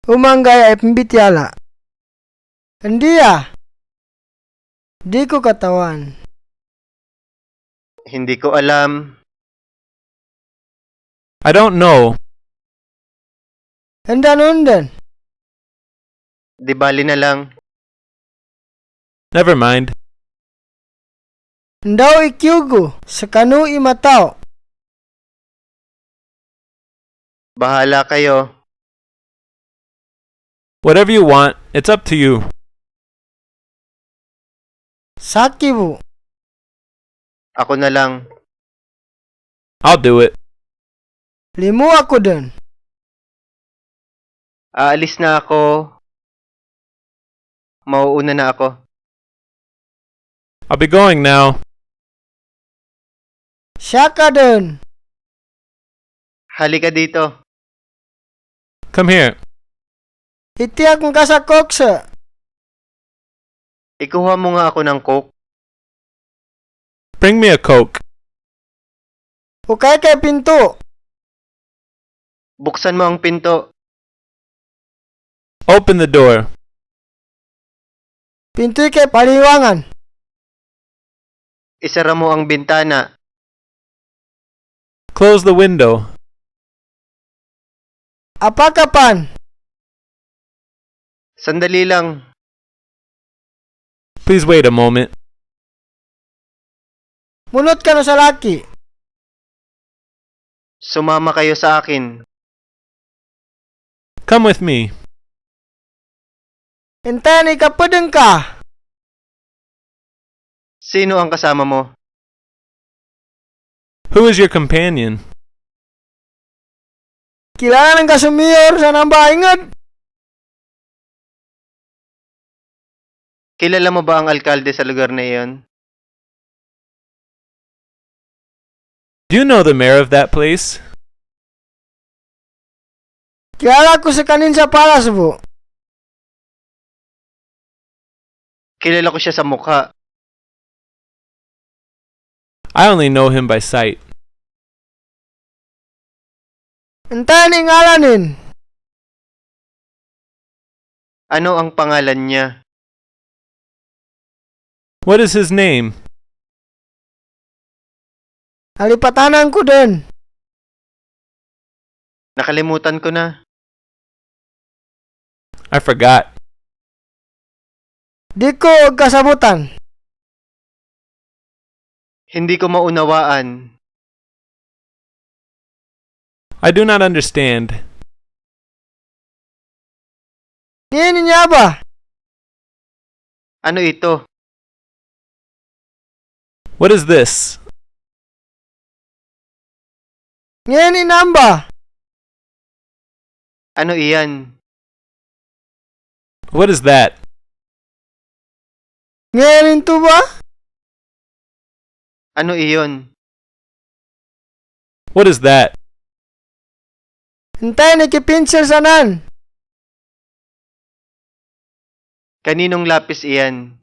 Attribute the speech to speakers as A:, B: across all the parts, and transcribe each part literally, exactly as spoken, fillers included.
A: Umanggay ay pambitiala. Hindi ah. Di ko katawan.
B: Hindi ko alam.
C: I don't know.
A: Handa nundan.
B: Di bali na lang.
C: Never mind.
A: Ndaw ikyugo sa kanu imataw.
B: Bahala kayo.
C: Whatever you want, it's up to you.
A: Sakibu.
B: Ako na lang.
C: I'll do it.
A: Limu ako dun.
B: Aalis na ako. Mauuna na ako.
C: I'll be going now.
A: Siya ka dun.
B: Halika dito.
C: Come here.
A: Iti akong kasakok sa.
B: Ikuha mo nga ako ng coke.
C: Bring me a Coke.
A: Ukay kay pinto.
B: Buksan mo ang pinto.
C: Open the door.
A: Pinto'y kay paliwangan.
B: Isara mo ang bintana.
C: Close the window.
A: Apakapan.
B: Sandali lang.
C: Please wait a moment.
A: Munot ka na sa laki.
B: Sumama kayo sa akin.
C: Come with me.
A: Intayan ikapadeng ka.
B: Sino ang kasama mo?
C: Who is your companion?
A: Kilala ng kasumiyor sa nambaingad.
B: Kilala mo ba ang alkalde sa lugar na iyon?
C: Do you know the mayor of that place?
A: Kilala ko sa kanin sa palas po.
B: Kilala ko siya sa mukha.
C: I only know him by sight.
A: Intayan ingalanin.
B: Ano ang pangalan niya?
C: What is his name?
A: Alipatanan ko dun.
B: Nakalimutan ko na.
C: I forgot.
A: Di ko og kasabutan.
B: Hindi ko maunawaan.
C: I do not understand.
A: Ngayon niya ba?
B: Ano ito?
C: What is this?
A: Ngayon inamba.
B: Ano iyan?
C: What is that?
A: Ngayon ito ba?
B: Ano iyon?
C: What is that?
A: Intayan ikipinsel sanan.
B: Kaninong lapis iyan?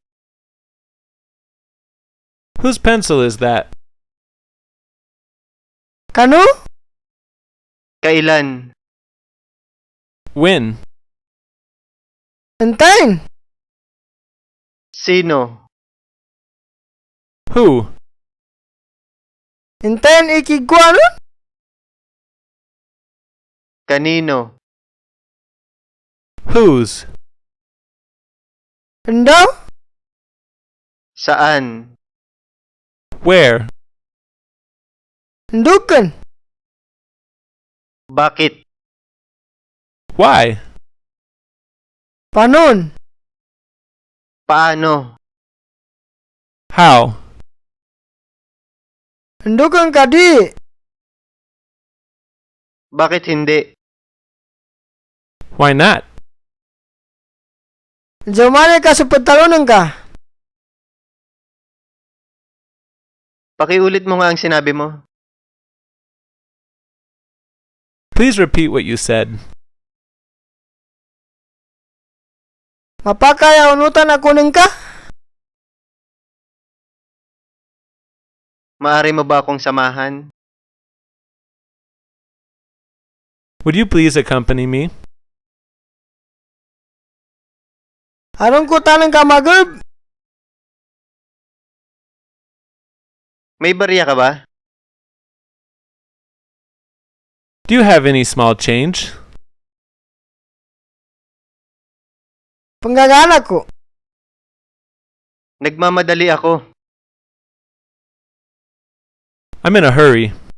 C: Whose pencil is that?
A: Kanu?
B: Kailan?
C: When?
A: Intayin.
B: Sino?
C: Who?
A: Intayin ikigwa nun?
B: Kanino?
C: Whose?
A: Indaw?
B: Saan?
C: Where?
A: Indukan.
B: Bakit?
C: Why?
A: Panon?
B: Paano?
C: How?
A: Indukan ka di.
B: Bakit hindi?
C: Why not?
A: Jomane ka sa pagtalunan ka.
B: Pakiulit mo nga ang sinabi mo.
C: Please repeat what you said.
A: Mapakaya unutan ako ng ka?
B: Maari mo ba akong samahan?
C: Would you please accompany me?
A: Harong ko tanong ka magub.
B: May barya ka ba?
C: Do you have any small change?
A: Panggagana ko.
B: Nagmamadali ako.
C: I'm in a hurry.